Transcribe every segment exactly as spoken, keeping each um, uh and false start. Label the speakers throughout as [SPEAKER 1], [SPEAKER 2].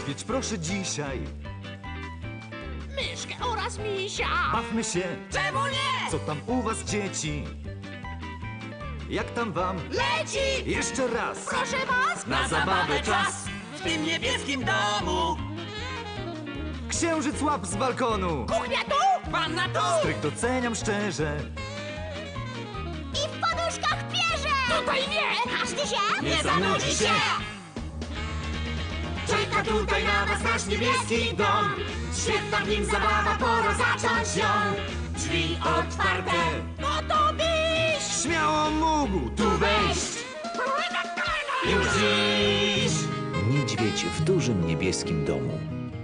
[SPEAKER 1] Odwiedź proszę dzisiaj.
[SPEAKER 2] Myszkę oraz misia.
[SPEAKER 1] Bawmy się.
[SPEAKER 2] Czemu nie?
[SPEAKER 1] Co tam u was, dzieci? Jak tam wam?
[SPEAKER 2] Leci!
[SPEAKER 1] Jeszcze raz.
[SPEAKER 2] Proszę was!
[SPEAKER 1] Na zabawę czas.
[SPEAKER 2] W tym niebieskim domu.
[SPEAKER 1] Księżyc łap z balkonu.
[SPEAKER 2] Kuchnia tu! Wanna tu!
[SPEAKER 1] Stryk doceniam szczerze.
[SPEAKER 3] I w poduszkach pierze!
[SPEAKER 2] Tutaj nie!
[SPEAKER 3] Każdy się
[SPEAKER 2] Nie zanudzi się!
[SPEAKER 3] Czeka tutaj na was nasz niebieski dom. Świetna w nim zabawa, pora zacząć ją. Drzwi otwarte, gotowiś!
[SPEAKER 1] Śmiało mógł tu wejść.
[SPEAKER 3] Już dziś!
[SPEAKER 4] Niedźwiedź w dużym niebieskim domu.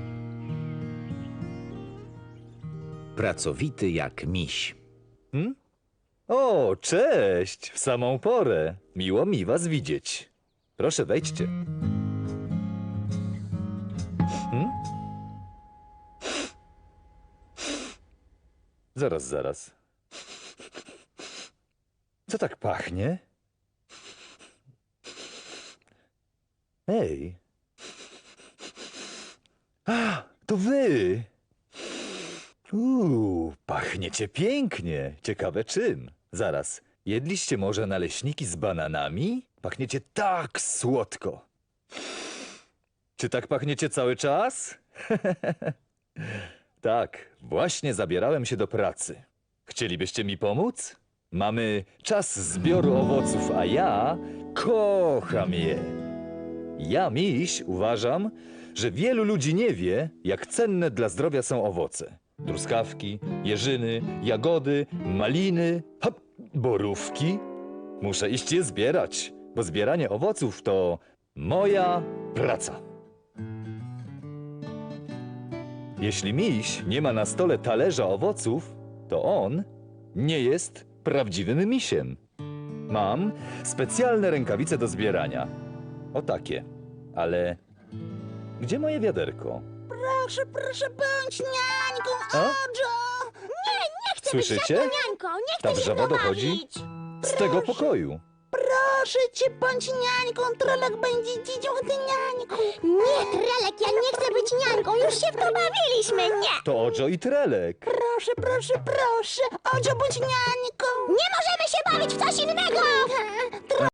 [SPEAKER 4] Pracowity jak miś.
[SPEAKER 5] Hmm? O, cześć! W samą porę. Miło mi was widzieć. Proszę, wejdźcie. Hmm? Zaraz, zaraz. Co tak pachnie? Ej. A, to wy! Uuu, pachniecie pięknie. Ciekawe czym. Zaraz, jedliście może naleśniki z bananami? Pachniecie tak słodko. Czy tak pachniecie cały czas? Tak, właśnie zabierałem się do pracy. Chcielibyście mi pomóc? Mamy czas zbioru owoców, a ja kocham je. Ja, miś, uważam, że wielu ludzi nie wie, jak cenne dla zdrowia są owoce. Truskawki, jeżyny, jagody, maliny, hop, borówki. Muszę iść je zbierać, bo zbieranie owoców to moja praca. Jeśli miś nie ma na stole talerza owoców, to on nie jest prawdziwym misiem. Mam specjalne rękawice do zbierania. O takie. Ale gdzie moje wiaderko?
[SPEAKER 3] Proszę, proszę, bądź niańką,
[SPEAKER 5] A?
[SPEAKER 3] Ojo! Nie, nie chcę
[SPEAKER 5] Słyszycie?
[SPEAKER 3] być żadną niańką, nie chcę
[SPEAKER 5] Ta
[SPEAKER 3] się
[SPEAKER 5] wrzawa dochodzi
[SPEAKER 3] bawić.
[SPEAKER 5] z tego pokoju.
[SPEAKER 3] Proszę cię, bądź niańką, Trolek będzie dzidzią, ty niańką. Nie, Trelek, ja nie chcę być niańką, już się w to bawiliśmy, nie.
[SPEAKER 5] To Ojo i Trelek.
[SPEAKER 3] Proszę, proszę, proszę, Ojo, bądź niańką. Nie możemy się bawić w coś innego.